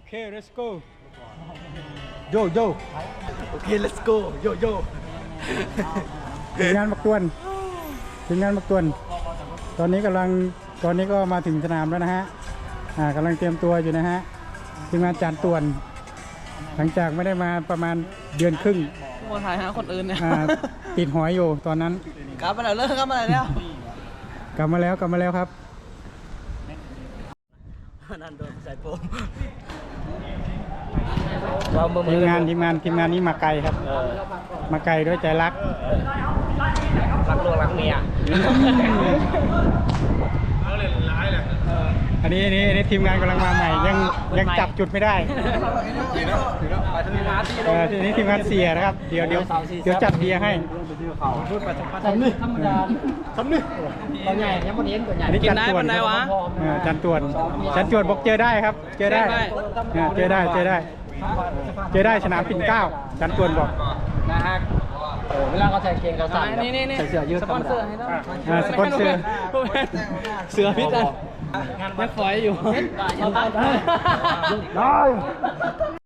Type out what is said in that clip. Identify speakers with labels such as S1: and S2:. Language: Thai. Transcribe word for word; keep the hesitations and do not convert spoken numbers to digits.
S1: เค let's go โยโย่โอเค let's go โยโย่ทีมงานมักตวนทีมงานมักตวนตอนนี้กำลังตอนนี้ก็มาถึงสนามแล้วนะฮะอ่ากำลังเตรียมตัวอยู่นะฮะทีมงานจานตวนหลังจากไม่ได้มาประมาณเดือนครึ่ง
S2: โมถ่ายหาคนอื่นเนี่ย
S1: อ่าติดหอยอยู่ตอนนั้น
S2: กลับมาแล้วเลิกกลับมาแล้ว
S1: กลับมาแล้วกลับมาแล้วครับ
S2: นั่นโดนใส่โปม
S1: ทีมงานทีมงานทีมงานนี้มาไกลครับมาไกลด้วยใจรัก
S2: รักลูกรักเมีย
S1: อันนี้อันนี้อันนี้ทีมงานกำลังมาใหม่ยังยังจับจุดไม่ได้เออทีนี้ทีมงานเสียนะครับเดี๋ยวเดี๋ยวเดี๋ยวจัดเบียร์ให้ทำนี่ธรรมดาทำนี่ตัวใหญ่ยังไม่เห็นตัวใหญ่อันนี้จันตวนจันตวนจันตวนบอกเจอได้ครับเจอได้เจอได้เจอได้เจอได้สนามปิ่นเกล้าจันตวนบอก
S2: นะฮะเวลาเขาใส่เกงเขาใส่นี่นี่นี่ใส่เสื้อยืดสปอนเซอร์ให้ต้อง
S1: สปอนเซอร์
S2: เสือพิษกันยังฝอยอยู่ได้